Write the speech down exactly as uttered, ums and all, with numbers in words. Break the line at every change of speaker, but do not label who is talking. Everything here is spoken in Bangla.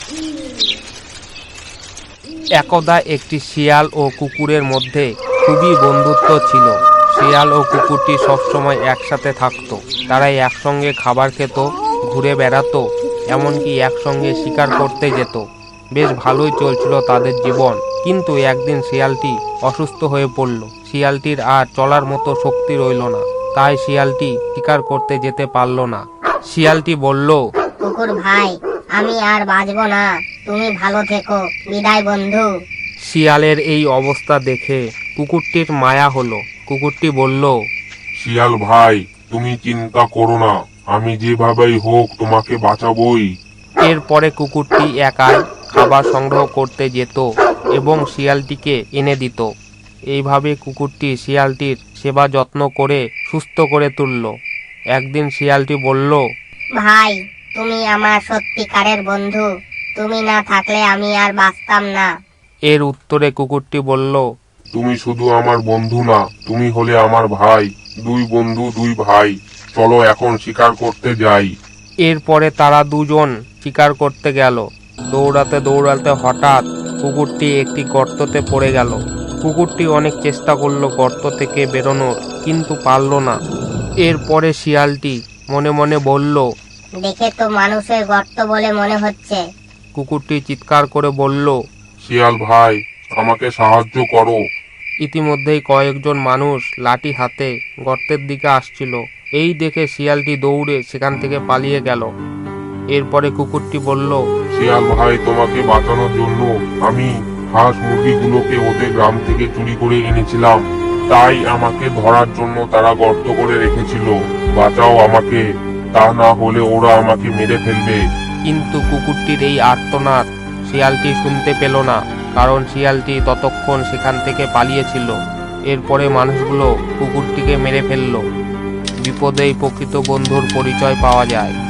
একদা একটি শিয়াল ও কুকুরের মধ্যে খুবই বন্ধুত্ব ছিল। শিয়াল ও কুকুরটি সবসময় একসাথে থাকতো। তারা একসঙ্গে খাবার খেত, ঘুরে বেড়াতো, এমনকি একসঙ্গে শিকার করতে যেত। বেশ ভালোই চলছিল তাদের জীবন। কিন্তু একদিন শিয়ালটি অসুস্থ হয়ে পড়ল। শিয়ালটির আর চলার মতো শক্তি রইল না, তাই শিয়ালটি শিকার করতে যেতে পারল না। শিয়ালটি বলল,
কুকুর ভাই, আমি আর বাঁচবো না, তুমি ভালো থেকো, বিদায় বন্ধু।
শিয়ালের এই অবস্থা দেখে কুকুরটির মায়া হলো। কুকুরটি বলল,
শিয়াল ভাই, তুমি চিন্তা করো না, আমি যেভাবেই হোক তোমাকে বাঁচাবই।
এরপরে কুকুরটি একাই খাবার সংগ্রহ করতে যেত এবং শিয়ালটিকে এনে দিত। এইভাবে কুকুরটি শিয়ালটির সেবা যত্ন করে সুস্থ করে তুলল। একদিন শিয়ালটি বলল,
ভাই, তুমি আমার সত্যিকারের বন্ধু, তুমি না থাকলে আমি আর বাঁচতাম না।
এর উত্তরে কুকুরটি বলল,
তুমি শুধু আমার বন্ধু না, তুমি হলে আমার ভাই। দুই বন্ধু দুই ভাই, চলো এখন শিকার করতে যাই।
এরপরে তারা দুজন শিকার করতে গেল। দৌড়াতে দৌড়াতে হঠাৎ কুকুরটি একটি গর্ততে পড়ে গেল। কুকুরটি অনেক চেষ্টা করলো গর্ত থেকে বেরোনোর, কিন্তু পারল না। এরপরে শিয়ালটি মনে মনে বলল,
দেখে তো মানুষের গর্ত বলে মনে হচ্ছে।
কুকুরটি চিৎকার করে বলল,
শিয়াল ভাই, আমাকে সাহায্য করো।
ইতিমধ্যেই কয়েকজন মানুষ লাঠি হাতে গর্তের দিকে আসছিল। এই দেখে শিয়ালটি দৌড়ে সেখান থেকে পালিয়ে গেল। এরপরে কুকুরটি বলল,
শিয়াল ভাই, তোমাকে বাঁচানোর জন্য আমি হাঁস মুরগিগুলোকে ওদের গ্রাম থেকে চুরি করে এনেছিলাম, তাই আমাকে ধরার জন্য তারা গর্ত করে রেখেছিল। বাঁচাও আমাকে, তা না হলে ওরা আমাকে মেরে ফেলবে।
কিন্তু কুকুরটির এই আর্তনাদ শিয়ালটি শুনতে পেল না, কারণ শিয়ালটি ততক্ষণ সেখান থেকে পালিয়েছিল। এরপরে মানুষগুলো কুকুরটিকে মেরে ফেলল। বিপদেই প্রকৃত বন্ধুর পরিচয় পাওয়া যায়।